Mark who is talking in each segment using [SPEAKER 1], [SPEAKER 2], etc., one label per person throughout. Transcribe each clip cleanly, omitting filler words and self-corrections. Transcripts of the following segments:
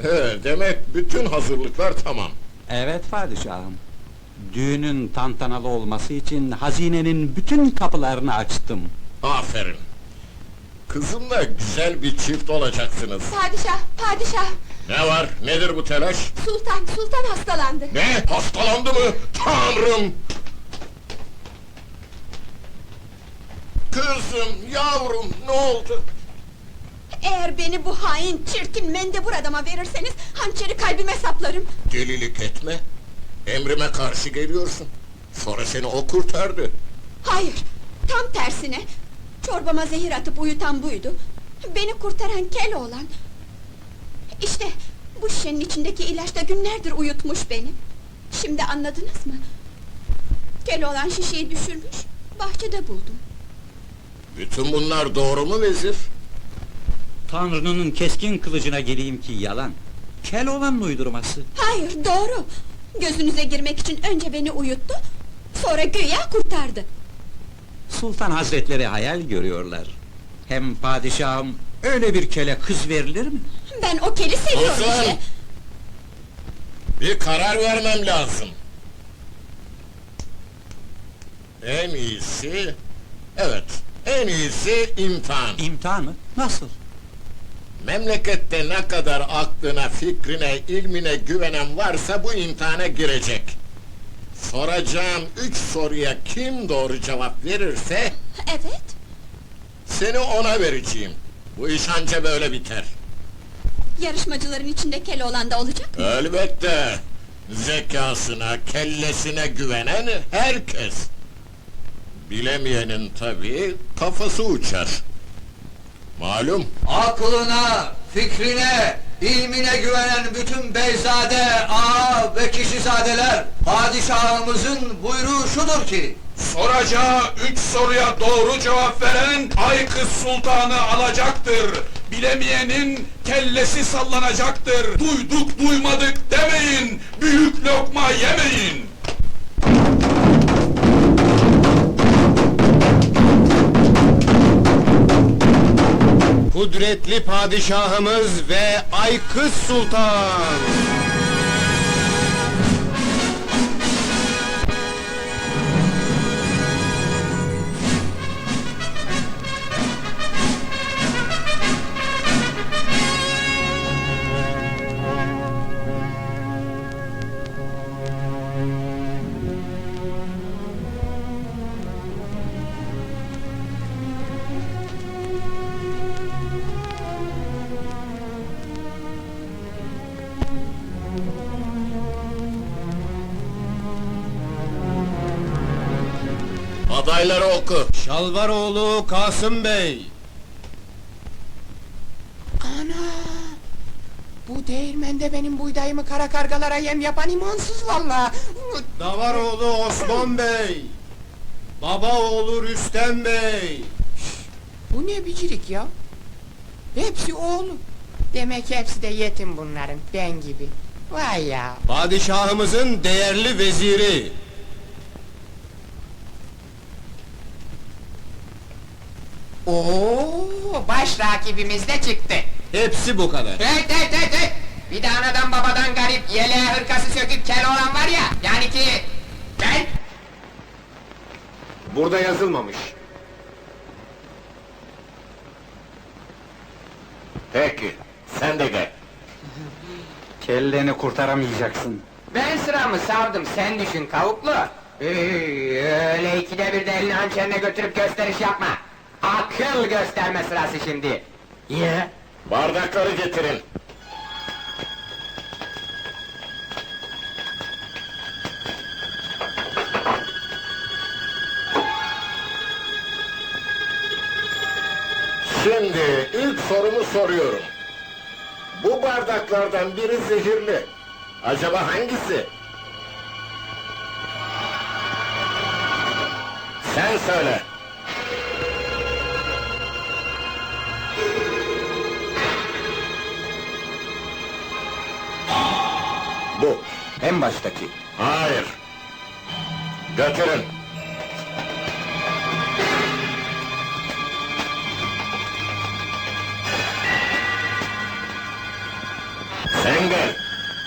[SPEAKER 1] He, demek bütün hazırlıklar tamam.
[SPEAKER 2] Evet padişahım. Düğünün tantanalı olması için hazinenin bütün kapılarını açtım.
[SPEAKER 1] Aferin. Kızımla güzel bir çift olacaksınız.
[SPEAKER 3] Padişah, padişah!
[SPEAKER 1] Ne var, nedir bu telaş?
[SPEAKER 3] Sultan hastalandı.
[SPEAKER 1] Ne, hastalandı mı? Tanrım! Kızım, yavrum, ne oldu?
[SPEAKER 3] Eğer beni bu hain, çirkin, mendebur adama verirseniz... ...hançeri kalbime saplarım.
[SPEAKER 1] Delilik etme. Emrime karşı geliyorsun. Sonra seni o kurtardı.
[SPEAKER 3] Hayır, tam tersine! Çorbama zehir atıp uyutan buydu. Beni kurtaran Keloğlan. İşte, bu şişenin içindeki ilaç da günlerdir uyutmuş beni. Şimdi anladınız mı? Keloğlan şişeyi düşürmüş, bahçede buldum.
[SPEAKER 1] Bütün bunlar doğru mu vezir?
[SPEAKER 2] Tanrı'nın keskin kılıcına geleyim ki yalan. Keloğlan'ın uydurması.
[SPEAKER 3] Hayır, doğru! Gözünüze girmek için önce beni uyuttu... ...sonra güya kurtardı.
[SPEAKER 2] Sultan hazretleri hayal görüyorlar. Hem padişahım, öyle bir kele kız verilir mi?
[SPEAKER 3] Ben o keli seviyorum
[SPEAKER 1] Sultan!
[SPEAKER 3] işte!
[SPEAKER 1] Bir karar vermem lazım. En iyisi... Evet, en iyisi imtihan.
[SPEAKER 2] İmtihan mı? Nasıl?
[SPEAKER 1] Memlekette ne kadar aklına, fikrine, ilmine güvenen varsa bu imtihana girecek. Soracağım 3 soruya kim doğru cevap verirse...
[SPEAKER 3] Evet!
[SPEAKER 1] ...seni ona vereceğim. Bu iş anca böyle biter.
[SPEAKER 3] Yarışmacıların içinde Keloğlan da olacak mı?
[SPEAKER 1] Elbette! Zekasına, kellesine güvenen herkes. Bilemeyenin tabii kafası uçar. Malum.
[SPEAKER 4] Aklına, fikrine, ilmine güvenen bütün beyzade, ağa ve kişizadeler, padişahımızın buyruğu şudur ki...
[SPEAKER 5] Soracağı 3 soruya doğru cevap veren Aykız Sultan'ı alacaktır. Bilemeyenin kellesi sallanacaktır. Duyduk duymadık demeyin, büyük lokma yemeyin.
[SPEAKER 6] Kudretli padişahımız ve Aykız Sultan!
[SPEAKER 1] Adayları oku.
[SPEAKER 6] Şalvaroğlu Kasım Bey!
[SPEAKER 7] Ana! Bu değirmende benim buğdayımı kara kargalara yem yapan imansız valla!
[SPEAKER 6] Davaroğlu Osman Bey! Babaoğlu Rüstem Bey!
[SPEAKER 7] Bu ne bicirik ya? Hepsi oğlu! Demek hepsi de yetim bunların, ben gibi! Vay ya!
[SPEAKER 6] Padişahımızın değerli veziri!
[SPEAKER 7] Oo, baş rakibimiz de çıktı!
[SPEAKER 6] Hepsi bu kadar!
[SPEAKER 7] Hey! Bir de anadan babadan garip, yeleğe hırkası söküp kel olan var ya, yani ki... Ben...
[SPEAKER 6] Burada yazılmamış.
[SPEAKER 1] Peki, sen de gel.
[SPEAKER 2] Kelleni kurtaramayacaksın.
[SPEAKER 7] Ben sıramı savdım, sen düşün kavuklu! Öyle ikide bir de elini hançerine götürüp gösteriş yapma! Akıl gösterme sırası şimdi!
[SPEAKER 1] Niye? Bardakları getirin. Şimdi ilk sorumu soruyorum. Bu bardaklardan biri zehirli. Acaba hangisi? Sen söyle. Bu.
[SPEAKER 2] En baştaki.
[SPEAKER 1] Hayır. Götürün. Sen Sende!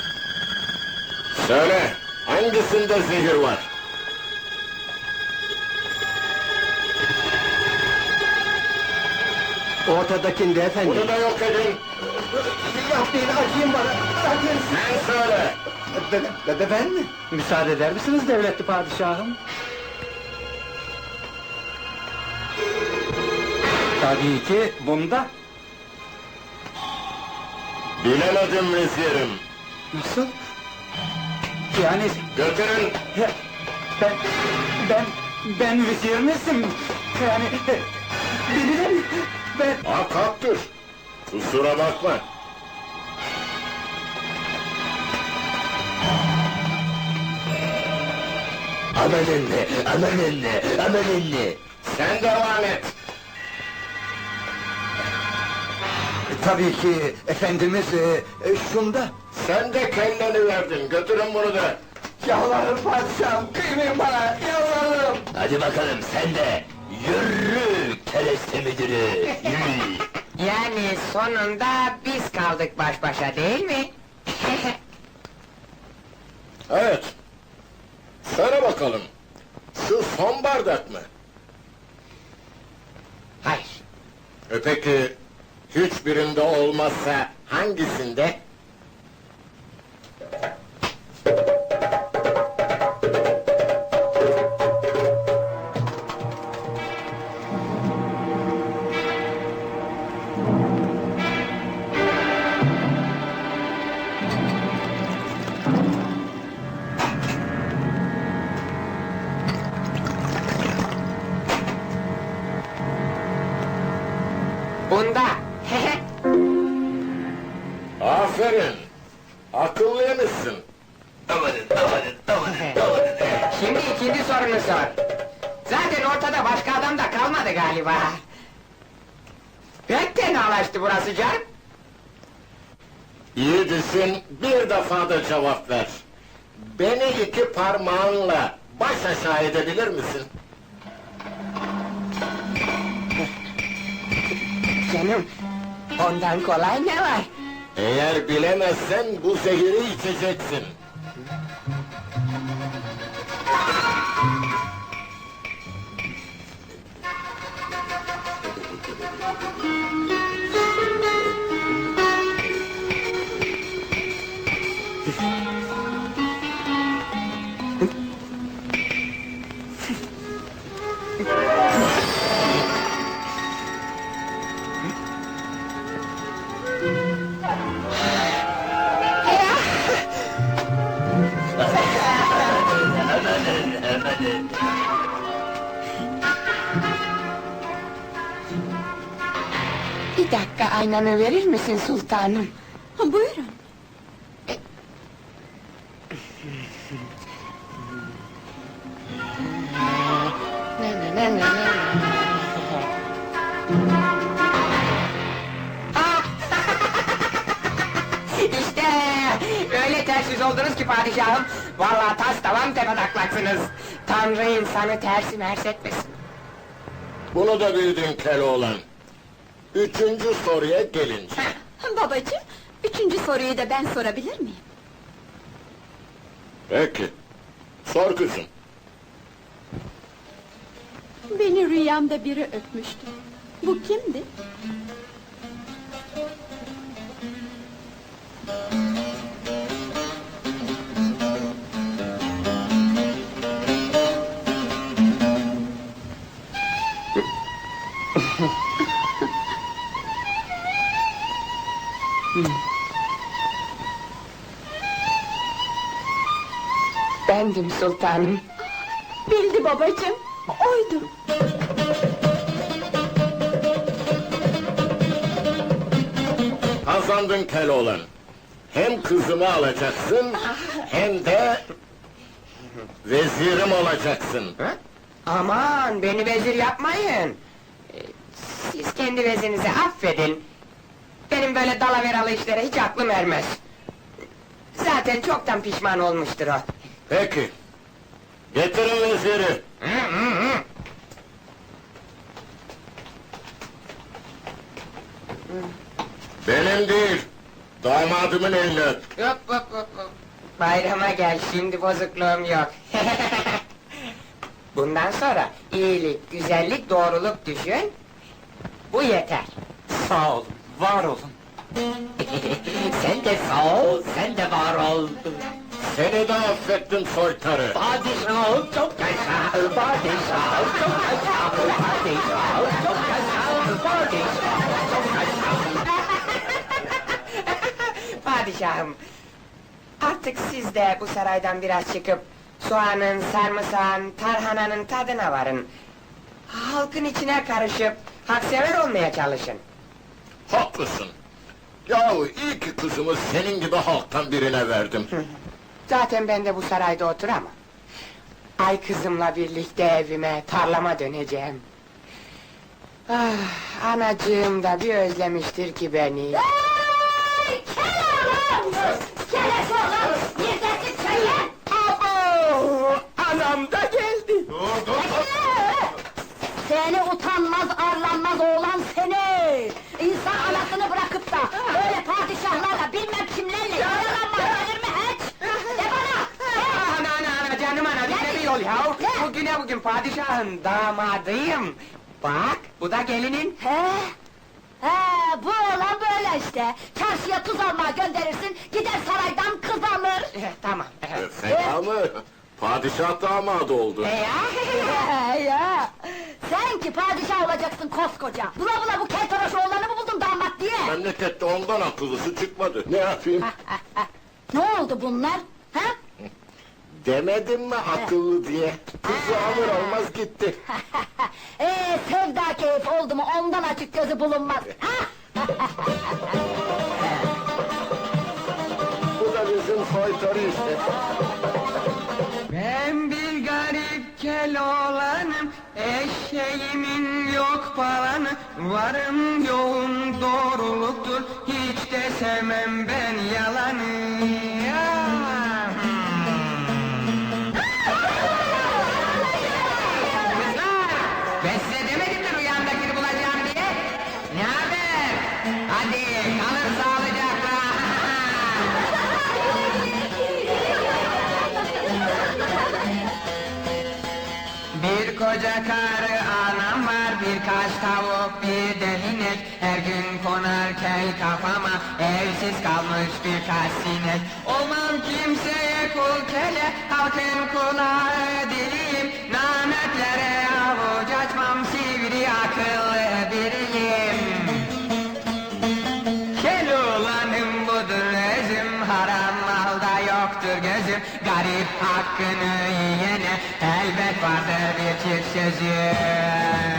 [SPEAKER 1] Söyle, hangisinde zehir var?
[SPEAKER 6] Ortadakinde efendim.
[SPEAKER 1] Bunu da yok edin!
[SPEAKER 6] Yapmayın, acıyın bana. Acıyın.
[SPEAKER 1] Sen söyle!
[SPEAKER 6] Ben mi?
[SPEAKER 2] Müsaade eder misiniz devletli padişahım? Tabii ki bunda.
[SPEAKER 1] Bilemedim vezirim!
[SPEAKER 2] Nasıl? Yani
[SPEAKER 1] Götürün!
[SPEAKER 2] ben vezir misin? Yani bilirim ben.
[SPEAKER 1] Hakkaktır! Kusura bakma!
[SPEAKER 6] Aman anne.
[SPEAKER 1] Sen devam et!
[SPEAKER 6] Tabii ki efendimiz şunda.
[SPEAKER 1] Sen de kelleni verdin, götürün bunu da!
[SPEAKER 6] Yalvarırım padişahım, kıymayın bana, yalvarırım. Hadi bakalım sen de, yürü kereste müdürü, yürü.
[SPEAKER 7] Yani sonunda biz kaldık baş başa değil mi?
[SPEAKER 1] Evet! Söyle bakalım! Şu son bardak mı?
[SPEAKER 7] Hayır.
[SPEAKER 1] Peki, hiçbirinde olmazsa hangisinde?
[SPEAKER 7] Bunda.
[SPEAKER 1] Aferin! Akıllıymışsın!
[SPEAKER 7] Şimdi ikinci sorunu sor. Zaten ortada başka adam da kalmadı galiba. Pek tenalaştı burası canım.
[SPEAKER 1] İyi düşün, bir defa da cevap ver! Beni iki parmağınla baş aşağı edebilir misin?
[SPEAKER 7] Canım, ondan kolay ne var?
[SPEAKER 1] Eğer bilemezsen bu zehiri içeceksin!
[SPEAKER 7] Bir dakika aynanı verir misin sultanım?
[SPEAKER 3] Buyurun.
[SPEAKER 7] İşte öyle ters yüz oldunuz ki padişahım. Vallahi tas tavan tepetaklaksınız. Tanrı insanı tersi mers etmesin.
[SPEAKER 1] Bunu da bildin Keloğlan! Üçüncü soruya gelince...
[SPEAKER 3] Babacığım, üçüncü soruyu da ben sorabilir miyim?
[SPEAKER 1] Peki, sor kızım!
[SPEAKER 3] Beni rüyamda biri öpmüştü. Bu kimdi?
[SPEAKER 7] Bendim sultanım.
[SPEAKER 3] Bildi babacığım, oydu.
[SPEAKER 1] Kazandın Keloğlan! Hem kızımı alacaksın, hem de... vezirim olacaksın!
[SPEAKER 7] Aman beni vezir yapmayın. Siz kendi vezirinizi affedin. Benim böyle dalaveralı işlere hiç aklım ermez. Zaten çoktan pişman olmuştur o.
[SPEAKER 1] Peki! Getirin veziri! Benim değil, Damadımın elini öp.
[SPEAKER 7] Yok yok yok yok. Bayrama gel, şimdi bozukluğum yok. Bundan sonra iyilik, güzellik, doğruluk düşün. Bu yeter.
[SPEAKER 2] Sağ olun, var olun.
[SPEAKER 7] Sen de sağ ol, sen de var ol.
[SPEAKER 1] Seni de affettim soytarı.
[SPEAKER 7] Padişahım çok yaşa, padişahım çok yaşa, padişahım çok yaşa, padişahım çok yaşa. Padişahım, artık siz de bu saraydan biraz çıkıp soğanın, sarımsağın, tarhananın tadına varın. Halkın içine karışıp haksever olmaya çalışın.
[SPEAKER 1] Haklısın. Yahu iyi ki kızımı senin gibi halktan birine verdim.
[SPEAKER 7] Zaten ben de bu sarayda oturamam. Ay kızımla birlikte evime, tarlama döneceğim. Ah, anacığım da bir özlemiştir ki beni.
[SPEAKER 8] Hey! Kel oğlum! Keles oğlum! Neredesin söyle!
[SPEAKER 7] Abo! Anam da geldi.
[SPEAKER 8] Seni utanmaz, arlanmaz oğlan seni! İnsan anasını bırakıp da böyle padişahlarla bilmem kimlerle yaralanmaz gelir mi hiç? De bana!
[SPEAKER 7] Ana canım ana, bize bir yol ya. Bugüne bugün padişahın damadıyım. Bak, bu da gelinin.
[SPEAKER 8] He? He, bu oğlan böyle işte! Çarşıya tuz almaya gönderirsin, gider saraydan kız alır!
[SPEAKER 7] Tamam.
[SPEAKER 1] Fena mı? Padişah damadı oldu.
[SPEAKER 8] Ya! Sen ki padişah olacaksın koskoca! Bula bula bu keltoraş oğlanı mı buldun damat diye?
[SPEAKER 1] Memlekette ondan akıllısı çıkmadı. Ne yapayım?
[SPEAKER 8] Ne oldu bunlar? Ha?
[SPEAKER 1] Demedim mi akıllı diye? Kızı alır almaz gitti.
[SPEAKER 8] Sevda keyif oldu mu ondan açık gözü bulunmaz!
[SPEAKER 1] Bu da bizim soytarı işte.
[SPEAKER 7] Ben bir garip kel oğlanım, eşeğimin yok falanı, varım yoğum doğruluktur, hiç de sevmem ben yalanı. Ya! Kızlar! Ben size demedim mi rüyamdakini bulacağım diye? Ne haber? Hadi kalın sağlıcakla! Bir koca karı anam var, birkaç tavuk, bir de inek. Her gün konar kel kafama, evsiz kalmış birkaç sinek. Olmam kimseye kul kele, halkın kulağı diliyim. Nametlere avuç açmam, sivri akıllı biriyim. Kel oğlanım budur özüm, haram malda yoktur gözüm. Garip hakkını yiyene elbet vardır bir çift sözüm.